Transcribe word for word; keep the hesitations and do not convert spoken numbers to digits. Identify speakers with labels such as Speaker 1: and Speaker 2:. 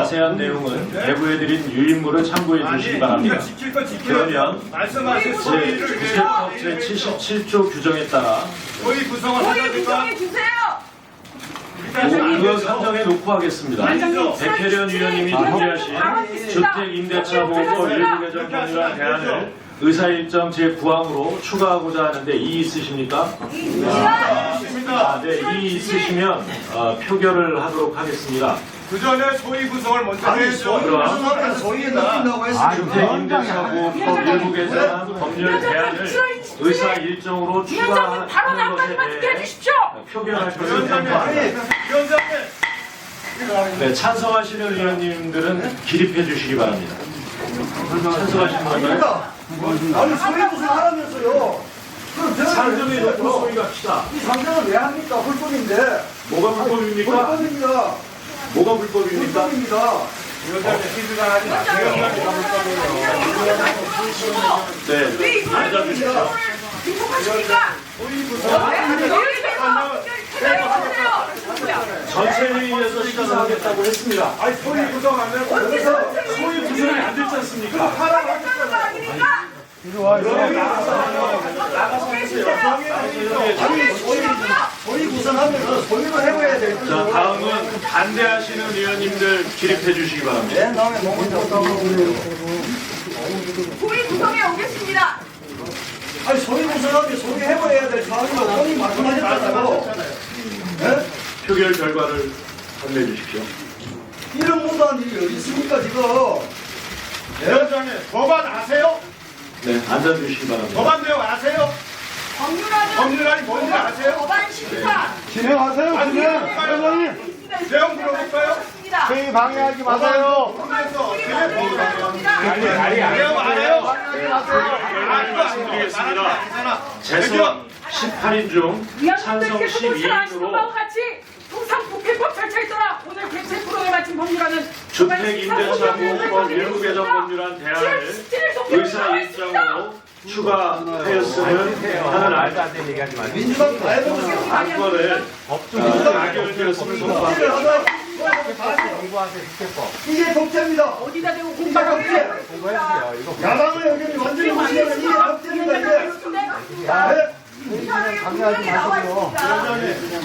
Speaker 1: 자세한 내용은 내부해드린 유인물을 참고해 주시기 바랍니다. 그러면 제구세법 제칠십칠 조 규정에 따라
Speaker 2: 소위 구성을 하자니까
Speaker 1: 그거 선정해 놓고 하겠습니다. 백혜련 위원님이 준비하신 주택임대차보호법 일부 개정 법률안 대안을 의사일정 제구 항으로 추가하고자 하는데 이의 있으십니까? 아, 네, 이의 있으시면 어, 표결을 하도록 하겠습니다.
Speaker 2: 그 전에 소위 구성을 먼저 해야죠.
Speaker 1: 그럼
Speaker 3: 소위에 넣는다고 했으니까
Speaker 1: 주택임대차보호법 일부 개정 법률 대안을 의사일정으로 추가하는 것에 대해 표결할 것을 선포합니다. 네, 찬성하시는 의원님들은 기립해 주시기 바랍니다. 찬성하시는 건가요?
Speaker 3: 아니 소위 구성 하라면서요. 그럼 제가
Speaker 1: 상정에 놓고 소위 갑시다.
Speaker 3: 이 상정을 왜 합니까? 불법인데.
Speaker 1: 뭐가 불법입니까?
Speaker 3: 불법입니다.
Speaker 1: 뭐가 불법입니까?
Speaker 3: 불법입니다.
Speaker 1: 네, 앉아주십시오. 전체 회의에서 시작하겠다고 했습니다.
Speaker 2: 아니 소위 구성 안 되고
Speaker 3: 여기서
Speaker 1: 소위 구성이 안 됐지 않습니까?
Speaker 2: 하라고 하겠잖아요.
Speaker 3: 소위 구성하면서 소위를 해봐야 돼.
Speaker 1: 자, 다음은 반대하시는 의원님들 기립해 주시기 바랍니다.
Speaker 3: 내 다음에 뭐 먼저
Speaker 4: 소위 구성에 오겠습니다.
Speaker 3: 아니 소위 구성하면 소위 해봐야 될 사항이고 본인이 말씀하셨잖아요. 네?
Speaker 1: 표결 결과를 판매해 주십시오.
Speaker 3: 이런 못한 일이 어디 있습니까 지금?
Speaker 2: 위원장님 법안 아세요?
Speaker 1: 네, 앉아주시기 바랍니다.
Speaker 2: 법안 내용 아세요?
Speaker 4: 법률안은
Speaker 2: 법률안이 뭔지 아세요?
Speaker 4: 법안 심사.
Speaker 5: 진행하세요,
Speaker 2: 아니,
Speaker 5: 진행.
Speaker 2: 물어볼까요?
Speaker 5: 회장님,
Speaker 2: 내용 물어볼까요?
Speaker 5: 회의 방해하지 마세요.
Speaker 2: 법안에서
Speaker 4: 법률안입니다.
Speaker 2: 내용 알아요?
Speaker 1: 말씀드리겠습니다. 재선 십팔 인 중 찬성 십이 인으로
Speaker 4: 같이 통상국회법 절차에 따라 오늘 개최 프로에 마친 법률안은
Speaker 1: 주택임대차보호법 일부 개정 법률안 대안을 의사일정으로 추가하였음을 하는 안-
Speaker 3: 민주당 다 해보세요.
Speaker 1: 안건을 가결되었음을 선포합니다.
Speaker 3: 이게 독재입니다.
Speaker 4: 어디다 대고
Speaker 3: 이게
Speaker 4: 공부하고
Speaker 3: 독재. 야당의 의견이 완전히 무시하는 이게 독재입니다. 이게. 네?
Speaker 4: 방해하지 마시고요.